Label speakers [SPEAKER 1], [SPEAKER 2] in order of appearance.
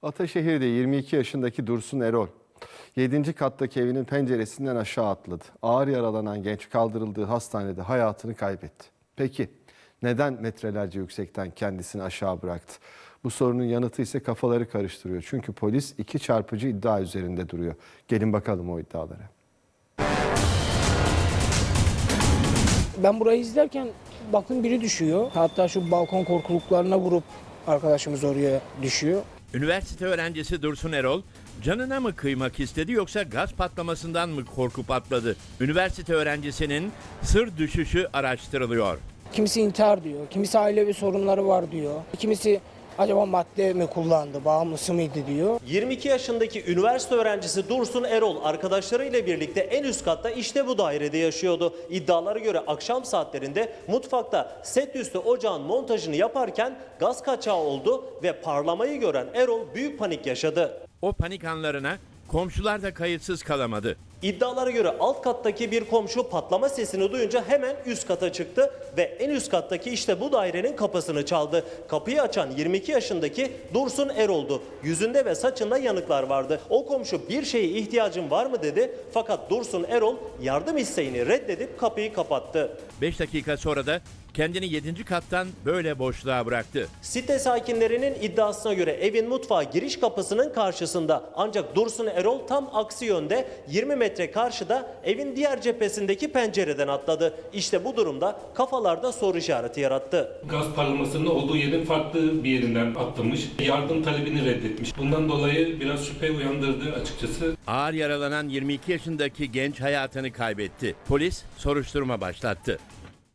[SPEAKER 1] Ataşehir'de 22 yaşındaki Dursun Erol 7. kattaki evinin penceresinden aşağı atladı. Ağır yaralanan genç kaldırıldığı hastanede hayatını kaybetti. Peki neden metrelerce yüksekten kendisini aşağı bıraktı? Bu sorunun yanıtı ise kafaları karıştırıyor. Çünkü polis iki çarpıcı iddia üzerinde duruyor. Gelin bakalım o iddialara.
[SPEAKER 2] Ben burayı izlerken baktım biri düşüyor. Hatta şu balkon korkuluklarına vurup arkadaşımız oraya düşüyor.
[SPEAKER 3] Üniversite öğrencisi Dursun Erol, canına mı kıymak istedi yoksa gaz patlamasından mı korkup atladı? Üniversite öğrencisinin sır düşüşü araştırılıyor.
[SPEAKER 2] Kimisi intihar diyor, kimisi ailevi sorunları var diyor. Kimisi acaba madde mi kullandı, bağımlısı mıydı diyor.
[SPEAKER 4] 22 yaşındaki üniversite öğrencisi Dursun Erol arkadaşlarıyla birlikte en üst katta işte bu dairede yaşıyordu. İddialara göre akşam saatlerinde mutfakta set üstü ocağın montajını yaparken gaz kaçağı oldu ve parlamayı gören Erol büyük panik yaşadı.
[SPEAKER 3] O panik anlarına komşular da kayıtsız kalamadı.
[SPEAKER 4] İddialara göre alt kattaki bir komşu patlama sesini duyunca hemen üst kata çıktı ve en üst kattaki işte bu dairenin kapısını çaldı. Kapıyı açan 22 yaşındaki Dursun Erol'du. Yüzünde ve saçında yanıklar vardı. O komşu bir şeye ihtiyacın var mı dedi fakat Dursun Erol yardım isteğini reddedip kapıyı kapattı.
[SPEAKER 3] 5 dakika sonra da kendini 7. kattan böyle boşluğa bıraktı.
[SPEAKER 4] Site sakinlerinin iddiasına göre evin mutfağı giriş kapısının karşısında ancak Dursun Erol tam aksi yönde 20 metre karşıda evin diğer cephesindeki pencereden atladı. İşte bu durumda kafalarda soru işareti yarattı.
[SPEAKER 5] Gaz parlamasının olduğu yerin farklı bir yerinden atlamış. Yardım talebini reddetmiş. Bundan dolayı biraz şüphe uyandırdı açıkçası.
[SPEAKER 3] Ağır yaralanan 22 yaşındaki genç hayatını kaybetti. Polis soruşturma başlattı.